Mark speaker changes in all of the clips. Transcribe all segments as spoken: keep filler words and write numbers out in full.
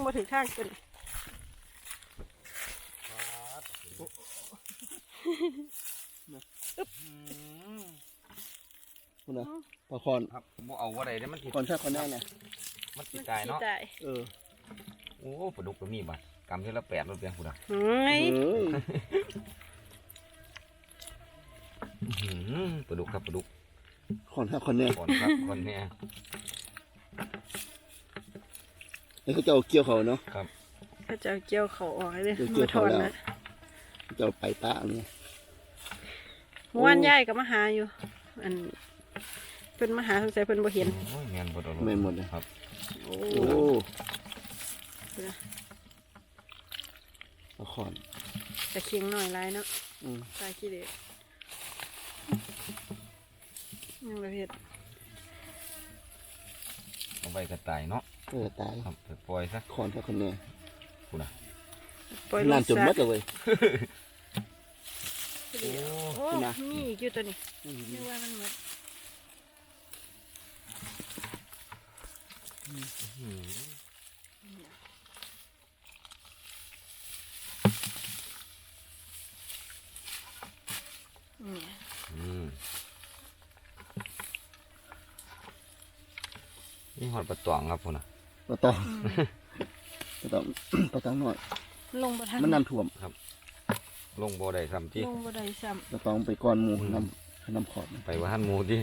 Speaker 1: มาถึงข้างกัน
Speaker 2: คุณนะปลาคอน
Speaker 3: ครับบ่เอาว่าใดเนี่ยมันติด
Speaker 2: คอนแท้คอนแน่เนี่ย
Speaker 3: มันติดตายเนาะ
Speaker 2: เออ
Speaker 3: โอ้ปลาดุกก็มีบัตรกำที่ละแปดรถเบียงคุณอ่ะ
Speaker 1: เฮ้ย
Speaker 3: ปลาดุกครับปลาดุก
Speaker 2: คอนแท้คอนแน่
Speaker 3: คอนครับคอนแน่
Speaker 2: นี่เขาจะเอาเกี่ยวเขาเนาะ
Speaker 3: ครับ
Speaker 1: ก็จะเกี่ยวเขาออกให้เลย
Speaker 2: เกี่ยวเขาแล้วจะไปตาเนี่ย
Speaker 1: ว่านใหญ่กับมหาอยู่อันเป็นมหาสงสัยเป็นบ่เห็น
Speaker 3: แมนหมด
Speaker 2: แมนหมดเลย
Speaker 3: ครับ
Speaker 2: โอ้ปลาคอน
Speaker 1: จะเคียงหน่อยลายเนาะลายขี้เด็ดยังประเภท
Speaker 3: เอาไปกระต่ายเนาะ
Speaker 2: เออตาย
Speaker 3: ครับปล่อยซะ
Speaker 2: คอนแท้คอนแน่
Speaker 3: คุณอ่ะ
Speaker 1: ปล่อย
Speaker 2: นานจนมัดเลย
Speaker 1: โอ้นี่อยู่ตัวนี้เรียกว่ามันหมด
Speaker 3: นี่หอดปลาตองครับคุณอ่ะ
Speaker 2: ปลาตองปลาตองปลาตองหน่อย
Speaker 1: ลงมาทาง
Speaker 2: มันน้ำท่วม
Speaker 3: ครับลงบ่ได้ซ้ำที่
Speaker 1: ลงบ่ได้ซ้ำ
Speaker 2: ปลาตองไปก้อนหมูน้ำน้ำขอด
Speaker 3: ไปว่าหันหมูที่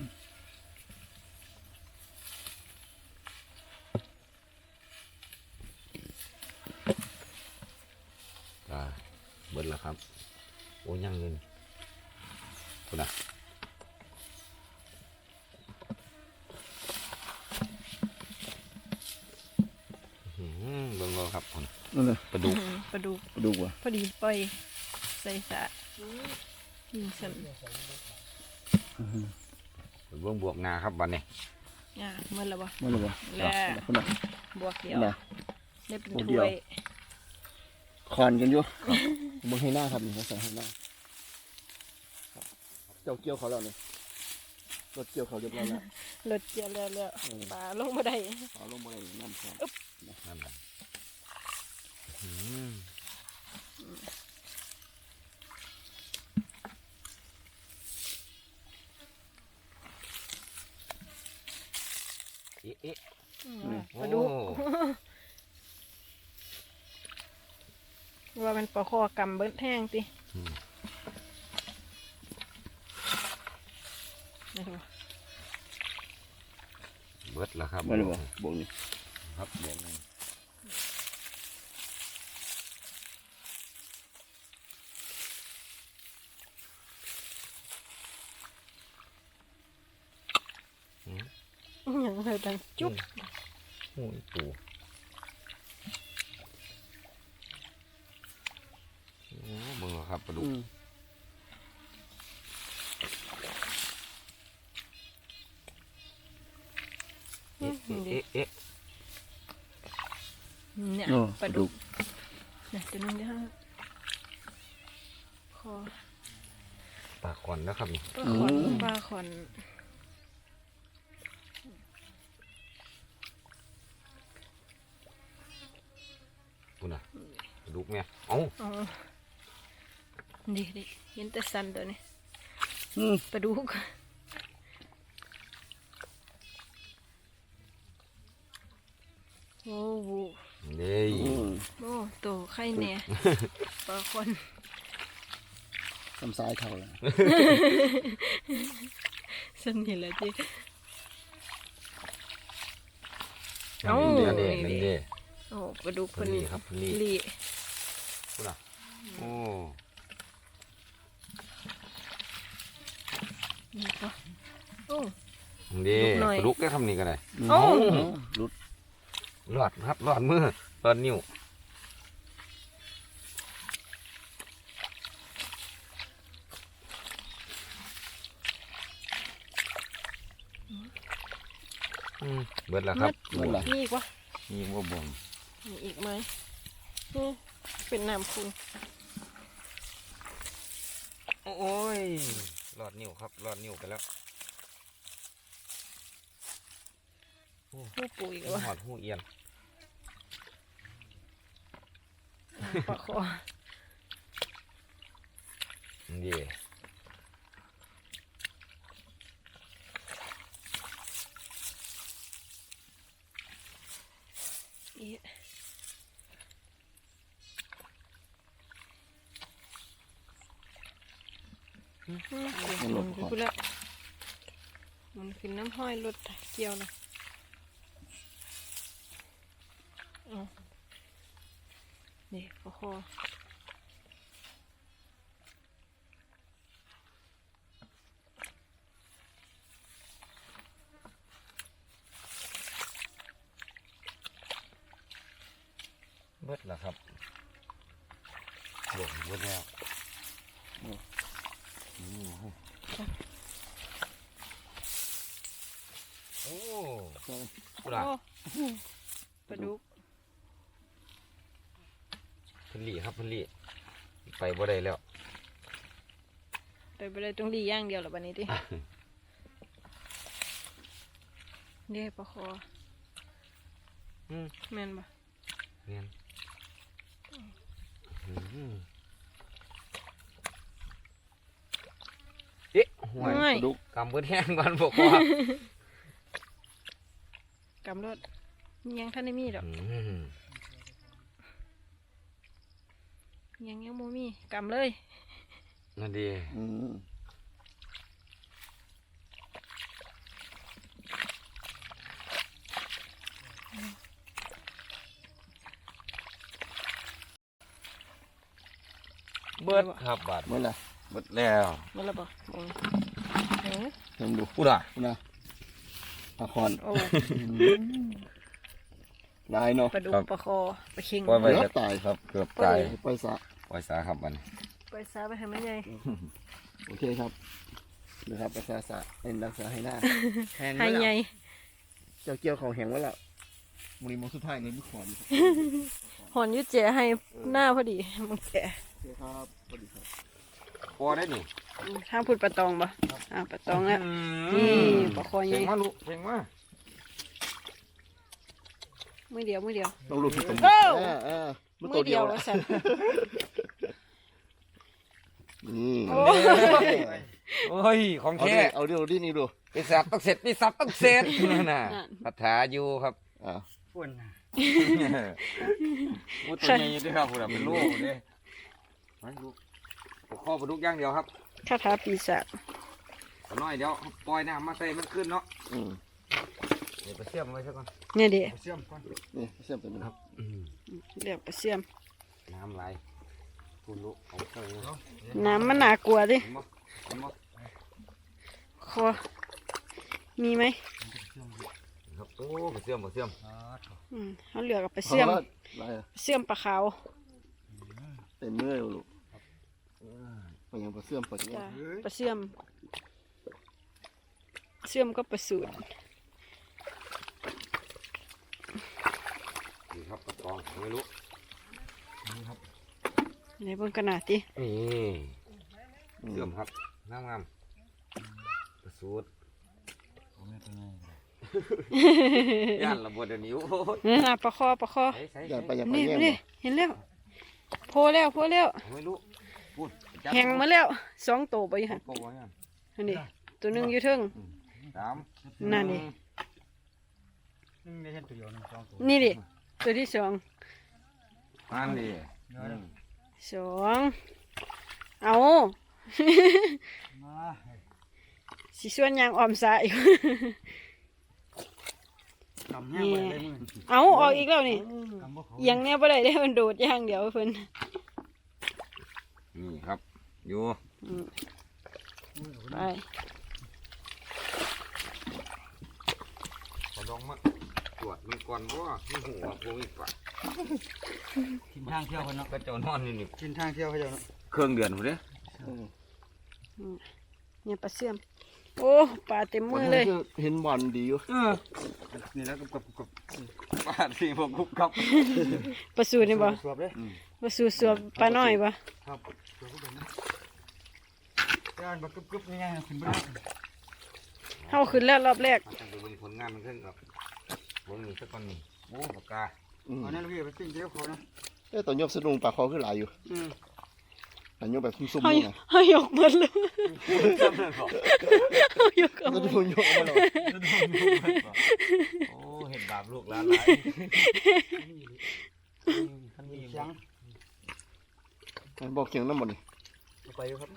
Speaker 3: เบิดแล้วครับโอ้ยังเงินคุณอ่ะเบิ่งก็ครับคุณ
Speaker 2: นั่นเลย
Speaker 1: ปลาดุกปลาดุก
Speaker 2: ปลาดุกว่ะ
Speaker 1: พอดีปล่อยใส่สะยิงสั่น
Speaker 3: เบิ่งบวกนาครับวันนี้
Speaker 1: อ่าเมื่อไรบ่
Speaker 2: เมื่อไรบ่
Speaker 1: แล้ว
Speaker 2: คุณอ่ะ
Speaker 1: บวกเดียวได้เป็นถ้วย
Speaker 2: คอนกันอยู่มึงให้หน้าครับนี่เขาใส่ให้หน้าเจ้าเกี่ยวเขาแล้วเนี่ยรถเกี่ยวเขาเรียบร้อยแล้ว
Speaker 1: รถเกี่ยวแล้วแล้วปลาลงมาได้
Speaker 2: ปลาลงมาได้น้ำครับ
Speaker 3: นั่นแหละเอ๊ะเอ๊ะ
Speaker 1: มาดูว่ามันปลาคอกำเบิ้ลแห้งติ
Speaker 3: เบิดแล้วครับ
Speaker 2: เบิดแล้วบ่นี่
Speaker 3: ครับบ่นี่
Speaker 1: อย่างไรดังจุ๊บ
Speaker 3: โอ้ยตัวโอ้มึงเหรอครับปลาดุกเอ๊ะเอ๊ะเอ๊ะ
Speaker 1: เนี่ยปลาดุกเนี่ยตัวนึงเดียวคอ
Speaker 3: ปลาขอนนะครับนี่
Speaker 1: ปลาขอนปลาขอน
Speaker 3: คุณน่ะปลาดุกเนี่ยเอ้า
Speaker 1: ดิดิเห็นแต่สันตัวนี้ปลาดุกโอ้โห
Speaker 3: นี่
Speaker 1: โอ้โตไข่เนี่ยปลาคอน
Speaker 2: ทำซ้ายเท่าเลย
Speaker 1: สันนี่แหละจี
Speaker 3: โอ้นี่
Speaker 1: โอ้ปลาดุกคน
Speaker 3: นี้ครับนี่
Speaker 1: ลี
Speaker 3: คุณอ่ะโอ้
Speaker 1: นี่ก็โอ้
Speaker 3: ดีปลาดุกก็ทำนี่กันเลย
Speaker 1: โอ้
Speaker 2: รุด
Speaker 3: หลอดครับหลอดมือหลอดนิ้วเบิดแล้วครับ
Speaker 1: มีอีกวะ
Speaker 3: มีอีกว่าบ่ม
Speaker 1: มีอีกไหมนี่เป็นน้ำคุณ
Speaker 3: โอ้ยหลอดนิ้วครับหลอดนิ้วไปแล้ว
Speaker 1: หูปุ๋ย
Speaker 3: หอดหูเอียน
Speaker 1: ปลาคอ
Speaker 3: นี่
Speaker 1: อีอืมเดี๋ยวมันขึ้นแล้วมันขึ้นน้ำห้อยรถเกี่ยวเลยเอานี่ปลาคอ
Speaker 3: เบิดแล้วครับหลงเบิดแล้วอืมโอ้ปลา
Speaker 1: โอ้ปลาดุก
Speaker 3: พันลี่ครับพันลี่ไปบ่ได้แล้ว
Speaker 1: ไปไปเลยตรงดีอย่างเดียวหรอบันนี้ดิเด้ปลาคอ
Speaker 3: อืม
Speaker 1: แม่นปะ
Speaker 3: เนียนอืมเอ๊ะห่วย
Speaker 1: ไม่
Speaker 3: ดุกกำเบิดแห้งก่อนบอกว่า
Speaker 1: กำรถยังท่านได้มีดอก
Speaker 3: อืม
Speaker 1: ยังยังโมมีกำเลย
Speaker 3: นั่นดี
Speaker 2: อืม
Speaker 3: เบิดครับบาด
Speaker 2: เมื่อไหร่
Speaker 3: เบิดแล้ว
Speaker 1: มาแล้วปะโอ้ยเอ้ย
Speaker 2: เห็นดู
Speaker 3: พูดอ่ะ
Speaker 2: นะปลาคอน
Speaker 1: โอ้
Speaker 2: ลายเนาะ
Speaker 1: ปลาดุกปลาคอปลาเค็ง
Speaker 3: ปล่อยไป
Speaker 2: เกือ
Speaker 3: ครับ
Speaker 2: บตาย
Speaker 3: ครับเกือบตาย
Speaker 2: ไปซะ
Speaker 3: ปล่อยสาครับมัน
Speaker 1: ไปซาไปทำไมใหญ่
Speaker 2: โอเคครับนะครับรักษาสะเป็นรักษาให้หน้าแห้ง
Speaker 1: ให้
Speaker 2: ไว้
Speaker 1: ให
Speaker 2: แล้
Speaker 1: ญ่
Speaker 2: วเจ้าเกี่ยวเขาแห้งไว้แล้วมือนี้มือสุดท้ายในมือขอน
Speaker 1: หอนอยุเจให้หน้าพอดีมึงแก
Speaker 2: โอเคครับสวัสดีครับ
Speaker 3: พอได้นี่
Speaker 1: ทางพูดปลาตองปะอ่าปลาตองแล้วนี่ปลาคอให
Speaker 3: เก่
Speaker 1: ญ่
Speaker 3: งมากลูกเก่งมาก
Speaker 1: มือเดียวมือเดียว
Speaker 2: ต้องรูดที่ตรง
Speaker 1: โอ้
Speaker 2: นี้เออเออ
Speaker 1: มื
Speaker 2: ตัว
Speaker 1: อเดียว
Speaker 2: ละ
Speaker 1: สัน
Speaker 2: นี่
Speaker 1: โอ้
Speaker 3: โอ้ยของ
Speaker 2: เอา
Speaker 3: แท้
Speaker 2: ดิเอาดิเอาดินี่ดู
Speaker 3: ปีศาจต้องเสร็จปีศาจต้องเสร็จนั่นน่ะคาถาอยู่ครับ
Speaker 2: อ่า
Speaker 3: พูดตัวใหญ่ด้วยครับพูดเป็นลูกเลยมันลูกข้อปลาดุกอย่างเดียวครับ
Speaker 1: คาถาปีศาจ
Speaker 3: ตัวน้อยเดี๋ยวปล่อยน้ำมาใส่มันขึ้นเนาะ
Speaker 2: อืม
Speaker 3: เดี๋ยวไปเชื่อมไว้ซะก่อน
Speaker 1: เนี่ยเดี
Speaker 3: ไปเชื่อมก่อน
Speaker 2: นี่เสียบตัวนี้ครับ
Speaker 1: เรียกปลาเสื่อม
Speaker 3: น้ำไหลพูดลูกเอาเข้าเลย
Speaker 1: น้ำมันหนากลัวดิ
Speaker 3: เห็นบ่เห็นบ่
Speaker 1: คอมีไหม
Speaker 3: ครับโอ้ไปเชื่อมไปเชื่อม
Speaker 1: อืมเขาเหลือกับปลาเสื่อม
Speaker 2: พอแล้วอะไรอะ
Speaker 1: เสื่อมปลาขาว
Speaker 2: เต็มมือเลยลูกไปยังปลาเสื่อมปลาเสื่อ
Speaker 1: จ้าม ปลาเสื่อมเสื่อมก็ปลาสูตร
Speaker 3: นี่ครับกระตองไม่รู้นี่ครับ
Speaker 1: ในเบนขนาดที่
Speaker 3: นี่เชื่อมครับงามงามกระสูดย่านระเบิดเดี๋ยวนี้โอ้ย
Speaker 1: นี่นะปลาคอปลาคอ
Speaker 3: ใส่ใส่
Speaker 2: อย่าไปอย่าไป
Speaker 1: นี่
Speaker 2: แย่ง
Speaker 1: นี่
Speaker 2: บ่
Speaker 1: เห็นแล้วโพแล้วโพแล้ว
Speaker 3: ไม่รู้พูดจับ
Speaker 1: แหงมาแล้วสองตัวไปหัน
Speaker 3: โป้ยัง
Speaker 1: อันนี้ตัวหนึ่งอยู่เทึง
Speaker 3: สาม
Speaker 1: นั่นดิ
Speaker 4: นึ่งได้เห็นตัวเดียวหนึ่งสองตัว
Speaker 1: นี่ดิตัวที่สอง
Speaker 3: นั่นดิ
Speaker 1: สองเอา
Speaker 4: มา
Speaker 1: สิส่วนยางออมสาย
Speaker 4: กำแห้งไปเลยมือ
Speaker 1: เอาออกอีกแล้วนี่
Speaker 4: กำบ่เขา
Speaker 1: เอียังเนี้ยบ่ได้ได้มันโดดอย่างเดียวเพิ่น
Speaker 3: นี่ครับอยู่
Speaker 1: อืมไป
Speaker 3: ขอลองมาตรวจมันก่อนเพราะว่ามีหัวโควิดปะ
Speaker 4: กินทางเที่ยวกันเนาะ
Speaker 3: ก็เจ้านอนนี่นี่
Speaker 4: กินทางเที่ยวเขาเจ้าเนาะ
Speaker 3: เครื่องเดือนผมเด้
Speaker 2: เออ
Speaker 1: เนี่ยปลาเสื่อมโอ้ปลาเต็มมือเลย
Speaker 2: เห็นบอลดีอยู่
Speaker 3: เออนี่แล้วกับกับปาดสี่พวกกุ๊บครับ
Speaker 1: ปลาสูตรนี่บ่
Speaker 4: สวบเลย
Speaker 1: ปลาสูตรสวบปลาน้อยบ่
Speaker 4: ครับสวบก็เป็นนะย่านบักกึบกึบง่ายๆขึ้นบ่ได้
Speaker 1: เฮาขึ้นแล้วรอบแรก
Speaker 3: มันจะเป็นผลงานมันขึ้นครับวงนี้สักคนนี่โอ้ปากกา
Speaker 2: อืม
Speaker 4: เอานั่นพี่ไปปิ้งเจ้าเขานะ
Speaker 2: เอ้ยตอนยกสะดุ้งปลาคอขึ้นหลายอยู่
Speaker 4: อืม
Speaker 2: ตอนยกแบบซุ่มๆ
Speaker 1: เฮา
Speaker 2: นี่นะ
Speaker 1: เฮายกหมดเลยเฮายกเอา
Speaker 2: สะ
Speaker 1: หมด
Speaker 2: ดุ้งยกมาเลย
Speaker 3: โอ้เห็นบาปลูกหลานหลาย
Speaker 4: คันมีเสียง
Speaker 2: บอกเคียงน้ำหมดนี่
Speaker 4: เอาไปอยู่ครับ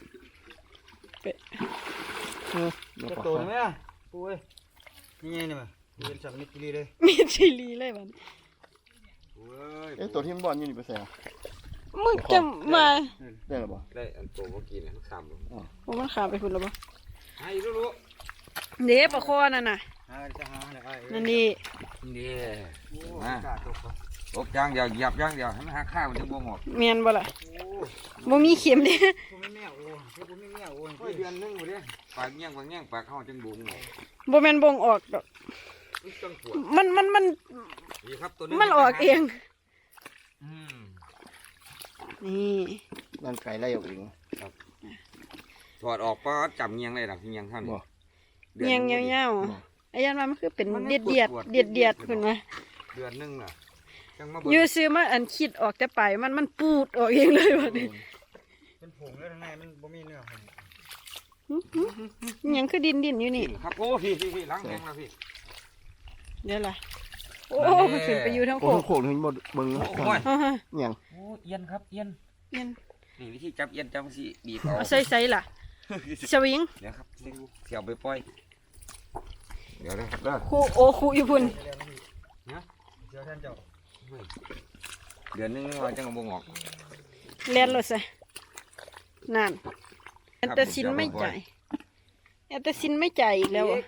Speaker 2: เออเดี๋ยว
Speaker 4: จะ
Speaker 2: ปลา
Speaker 4: โต
Speaker 2: คอ
Speaker 4: ไหมอ่ะปุ้ยนี่ไงนี่มั้ยเรียนสักนิดกี่ลีเลย
Speaker 1: มีชิลีเลยบัด
Speaker 3: โอ้ย
Speaker 2: เอ้ยตัวที่มันบอลอยู่นี่ไปใส่อะ
Speaker 1: มึงจะมา
Speaker 2: ได้หรือเปล่า
Speaker 3: ได้อันโตเมื่อกี้เนี่ยมันขำลง
Speaker 1: ว่ามันขามไปพุ่นแล้วบ่
Speaker 3: ให้รู้
Speaker 1: เด้ปลาคอนั่นน่ะ
Speaker 4: หาจะหาเนี่ยไอ้
Speaker 1: นั่นนี่
Speaker 3: ๆนี่
Speaker 4: โอ้
Speaker 3: มา
Speaker 4: กาตก
Speaker 3: ตบย่างเดียวเหยียบย่างเดียวให้มันหาข้าวมันจะบ่หมด
Speaker 1: แม่นบ่ล่ะ
Speaker 4: โอ้
Speaker 1: บ่มีเข็มเด้
Speaker 4: ผมไม่แม่โอ้ผมไม่แม่โอ้
Speaker 3: โอ้ยเดือนนึงหมดเลยปากเงี้ยงปากเงี้ยงปากเข้าจังบุ้งเลย
Speaker 1: บ่แม่นบ่งออกดอก
Speaker 3: มันจังปวด
Speaker 1: มันมันมัน
Speaker 3: นี่ครับตัวนี้
Speaker 1: มันออกเอง
Speaker 3: อืม
Speaker 1: นี่
Speaker 2: ร่างกายไล่ออกเอง
Speaker 3: ถอดออกก็จับเงี้ยงเลยหลังเงี้ยงเท่านี้
Speaker 2: บ่
Speaker 1: เงียงยาวๆไอ้ยันว่ามันคือเป็นเดียดเดียดเดียดเดียดๆขึ้นมา
Speaker 3: เดือนนึงน่ะจังมา
Speaker 1: อยู่ซื้อมาอันคิดออกแต่ไปมันมันปูดออกเองเลยบัดนี้
Speaker 4: เป็นผงแล้วข้างในมันบ่มีเนื้อผม
Speaker 1: อิหยังคือดินดินอยู่นี่
Speaker 3: ครับโอ้พี่พี่พี่ล้างแห้งแล้วพี่
Speaker 1: เดี๋ยวล่ะโอ้มันขึ้นไปอยู่ทั้ง
Speaker 2: โอ้
Speaker 1: โค
Speaker 2: โห
Speaker 1: ก
Speaker 2: โขกถึงหมดเบิ่ง
Speaker 3: โอ้ย
Speaker 1: อ่าฮะ
Speaker 2: อย่าง
Speaker 3: โอ้เอียนครับเอียน
Speaker 1: เย็น
Speaker 3: นี่วิธีจับเอียนจับสิบีบเอา
Speaker 1: เอาใส่ใส่ล่ะสวิง
Speaker 3: เดี๋ยวครับเสียวไปปล่อยเดี๋ยวนะครับเด้อ
Speaker 1: ครูโอครูอยู่พุ่น
Speaker 4: เดี๋ยวท่านเจ้า
Speaker 3: เดือนนึงเราจังบ่งออก
Speaker 1: เลียนรถใส่นั่นแอนเตอร์ซินไม่จ่ายแอนเตอร์ซินไม่จ่ายอีกแล้วอะ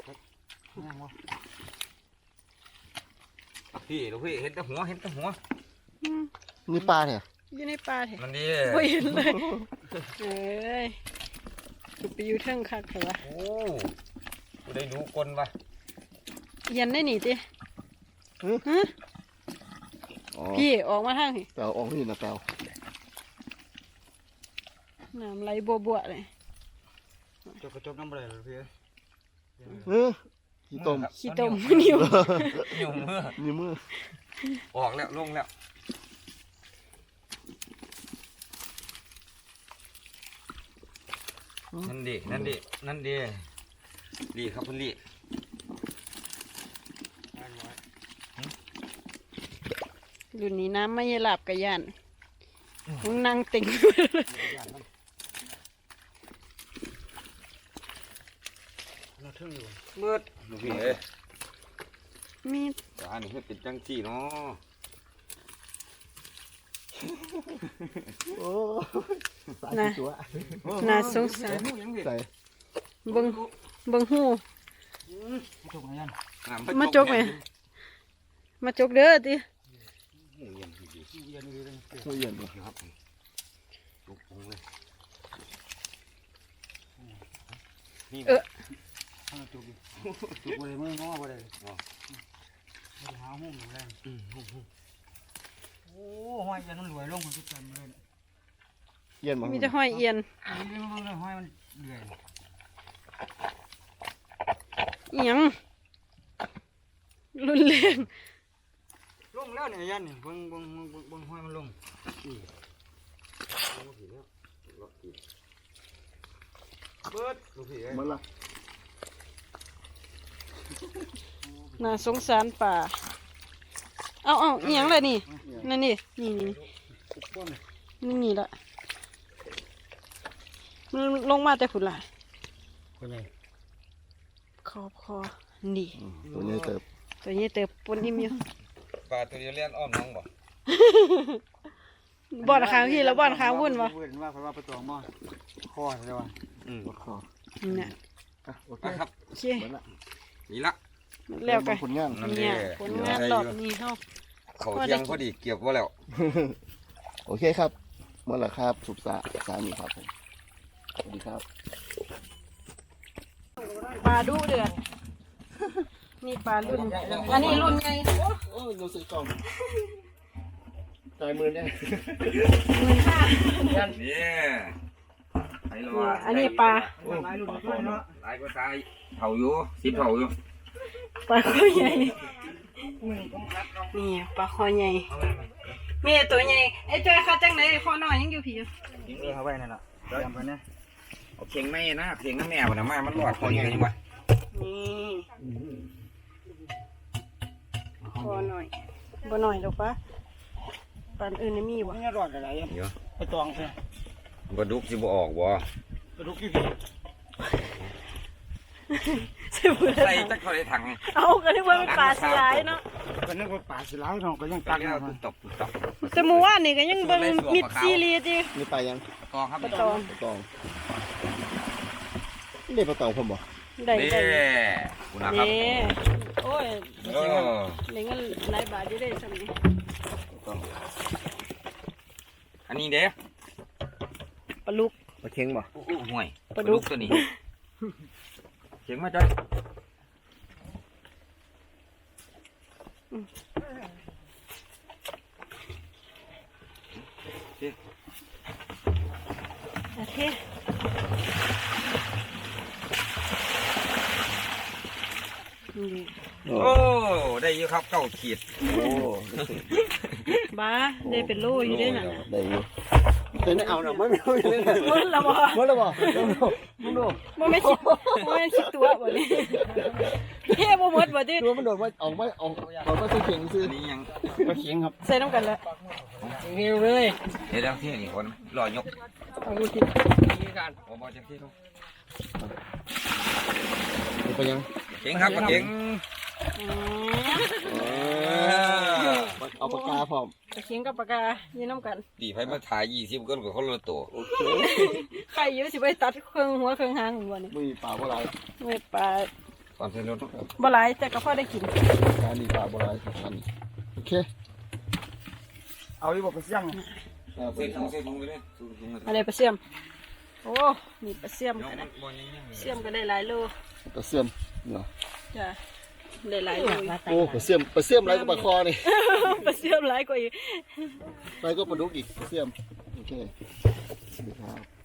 Speaker 3: พี่ลูกพี่เห็นแต่หัวเห็นแต่หัว
Speaker 1: อืม
Speaker 2: นี่ปลาเนี่ย
Speaker 1: อยู่ในป่าแท้
Speaker 3: มันดี
Speaker 1: บ่เห็นเลยเอ้ยคือไปอยู่เทิงคักเถอะวะ
Speaker 3: โอ้กูได้ดูกลปะ
Speaker 1: เย็นได้หนีติฮะ
Speaker 2: อ๋อ
Speaker 1: พี่ออกมาทางนี่
Speaker 2: แปลวออกนี่นะแปลว
Speaker 1: น้ำไหลบัวบัวๆเลย
Speaker 4: จบกระจบน้ำอะไรเลยพี่
Speaker 2: เออขี้ต้ม
Speaker 1: ขี้ต้มนิ้ว
Speaker 3: อยู่มือ
Speaker 2: นี่มือ
Speaker 3: ออกแล้วลงแล้วนั่นดินั่นดินั่นดิดีครับคุณลี่
Speaker 1: รุ่นนี้น้ำไม่หลับกระยานมึงนั่งติ่ง
Speaker 4: น่าทึ่งอยู่
Speaker 3: เบิดลูกพี่เอ้ย
Speaker 1: มี
Speaker 3: อันนี้เป็นจังซี่เนาะ
Speaker 2: โอ้สายที่ตัว
Speaker 1: น่าสงสาร
Speaker 2: ใส่
Speaker 1: เบิ่งเบิ่งหู
Speaker 4: จบไงยัน
Speaker 1: มาจกไหมมาจกเด้อติ
Speaker 3: หูเย็นพี่
Speaker 4: เย็นดีเลย
Speaker 2: หัวเย็นบ่
Speaker 3: ครับลูกปงเลยนี่
Speaker 1: เออ
Speaker 4: ข้างจุกดิจุกบ่ได้มือง้อบ่ได้หาหุ้มแรงโอ้ห้อยยันมันรวยลงคนทุกคนเลย
Speaker 2: เย็นบ่
Speaker 1: มีแต่ห้อยเอียน
Speaker 4: นี่มันเลยห้อยมันรวย
Speaker 1: อิหยังรุนแรง
Speaker 4: ลงแล้วเนี่ยยันนี่เบิ่งเบิ่งเบิ่งเบิ่งห้อยมันลงเบิด
Speaker 3: ลูกพี่เอ้ย
Speaker 2: มันละ
Speaker 1: น่าสงสารป่าเอาเอาอิหยังเลยนี่นั่นนี่นี่นี่
Speaker 4: พวกนี้
Speaker 1: นี่นี่ละมันลงมาแต่ผุนละ
Speaker 4: คนใหญ่
Speaker 1: ขอบคอนี่
Speaker 2: ตัวนี้เติบ
Speaker 1: ตัวนี้เติบปนอิ่มอยู่
Speaker 3: ปลาตัวเดียวเลี้ยนอ้อมน้องบ่
Speaker 1: บ่อนค้างพี่แล้วบ่อนค้างวุ่นวะ
Speaker 4: วุ่นว่าเพราะว่าประตองหม้อคอใช่ป่ะ
Speaker 3: อืม
Speaker 2: คอ
Speaker 1: นี่น่ะ
Speaker 2: อ่ะโอเค
Speaker 3: นะครับ
Speaker 1: โอเค
Speaker 2: หมดละ
Speaker 3: นี่ละ
Speaker 1: แล้วกัน
Speaker 2: ผลงาน
Speaker 3: นั่น
Speaker 1: เนี่ย
Speaker 3: เด้
Speaker 1: ผลงานรอบนี้เฮา
Speaker 3: เขาเที่ยงพอดีเกี่ยวว่าแล้ว
Speaker 2: โอเคครับหมดละครับสุบสาสามีครับผมสวัสดีครับ
Speaker 1: ปลาดุเดือดนี่ปลารุ่นอันนี้รุ่นไง
Speaker 2: โอ้ยดูสิกล่องใจมือเนี่ย
Speaker 1: หมื่นห้า
Speaker 3: นี่ไอ้รอ
Speaker 1: อันนี้ปลา
Speaker 4: หลายรุ่นด้วยเนาะ
Speaker 3: หลายก็ตายเผาอยู่สิบเผาอยู่
Speaker 1: ปลาคอใหญ่นี่ปลาคอใหญ่มีตัวใหญ่ไอ้จ้อยเขาจังไหนคอน้อยยังอยู่ผีอยู่
Speaker 4: เออเอาไว้นั่นล่ะเตรียมไปนะ
Speaker 3: เอาเข่งไม่นะเข่งน้ำแม่บ่นะมามันรอดคนนี้กันยังวะ
Speaker 1: นี่คอหน่อยบ่หน่อยหรอกปะปานอื่นนี่มีบ่
Speaker 4: นี่รอดอะไรอ่ะ
Speaker 3: เดี๋ยว
Speaker 4: ไปตองใช่
Speaker 3: ปลาดุกสิบ่ออกบ่
Speaker 4: กระดูกกี่พี่
Speaker 1: ใส่เบื่อ
Speaker 3: ใส่จักเขาได้ถัง
Speaker 1: เอาก็นึกว่าเป็นปลาสลายเนาะ
Speaker 4: ก็นึกว่าป่าสิหลายเนาะก็ยัง
Speaker 3: ตั
Speaker 4: ตั
Speaker 3: ก
Speaker 4: ก
Speaker 3: แล้ว
Speaker 4: มา
Speaker 3: ตุ๊บตบตุ๊บตบ
Speaker 1: แต่เมื่อวานนี่ก็ยังเบิ่งมิดซีรีส์ดิ
Speaker 2: นี่ปลายัง
Speaker 3: กองครับ
Speaker 1: ปลาตอง
Speaker 2: ปลาตองนี่ปลาตองผมบ่
Speaker 1: ได้
Speaker 3: นี่
Speaker 1: ได้
Speaker 3: คุณนะครับ
Speaker 1: นี่โอ้ย
Speaker 3: โอ้
Speaker 1: ได้เงินหลายบาทอยู่ได้ซั่นนี่
Speaker 3: อันนี้เด้
Speaker 1: ปลาลูก
Speaker 2: ปลาเค็งบ่
Speaker 3: โอ้โหห่วย
Speaker 1: ปลาดุก
Speaker 3: ตัวนี้เข่งมาจ้อย
Speaker 1: โอเคนี่
Speaker 2: โอ้
Speaker 3: โอ้ได้เยอะครับเก้าขีด
Speaker 2: โอ้
Speaker 1: บ้าได้เป็นโลอยู่ได้น่ะ
Speaker 2: ได้อยู่แต่นี่เอาหน่ะไม่ไม่ไม่ไม่
Speaker 1: หมดและบ่
Speaker 2: หมดแล้วบ่มึงดูมึงดู
Speaker 1: บ่แม่นสิบ่แม่นสิตัวบ่นี่เฮ้บ่หมดบ่ติ
Speaker 2: ตัวมันโดดมาออกมาออกออกมาตัวเข่งซื้อ
Speaker 3: อันนี้ยัง
Speaker 4: ปลาเข็งครับ
Speaker 1: ใส่น้ำกันแล้ว
Speaker 4: เงี้ยเลย
Speaker 3: เดี๋ยวเดี๋ยวที่นี่คนรอยก
Speaker 1: เอาดูสิ
Speaker 3: โอ้บอจังที่ลูก
Speaker 2: นี่ไปยัง
Speaker 3: เข่งครับเข่ง
Speaker 1: อืม
Speaker 2: เอาปากกาพร้อม
Speaker 1: ตะเคียงกับปากกายืนน้ำกัน
Speaker 3: ดีไฟมาถ่ายยี่สิบกันกับคนละตัว
Speaker 2: โอเค
Speaker 1: ใครอยู่สิไปตัดเครื่องหัวเครื่องหางบ่นี่
Speaker 2: ไม่มีปลาบ่หลาย
Speaker 1: ไม่ปลา
Speaker 3: ก่อนเส้นรถ
Speaker 1: บ่หลายแต่ก็พอได้กิน
Speaker 2: การนี่ปลาบ่หลายสำคัญโอเค
Speaker 4: เอาอีบอกไปเสี่ยง
Speaker 2: เอาไป
Speaker 3: เส้นถุงเส้นถุงไปเลยถุงถุงเลย
Speaker 1: อะไรปลาเสี่ยมโอ้มีปลาเสี่ยม
Speaker 3: ยก
Speaker 1: กัน
Speaker 3: มั
Speaker 1: นะ
Speaker 3: นบอลยังยัง
Speaker 1: เสี่ยมก็ได้หลายโล
Speaker 2: ปลาเสื่อมเนาะ
Speaker 1: จ้ะได้หลายโลอยู่
Speaker 2: โอ้ปลาเสื่อมปลาเสื่อมไรก็ปลาคอนี่
Speaker 1: ปลาเสี่ยมหลายกว่าอีก
Speaker 2: ไรก็ปลาดุกอีกปลาเสื่อมโอเคสวัสดีครับ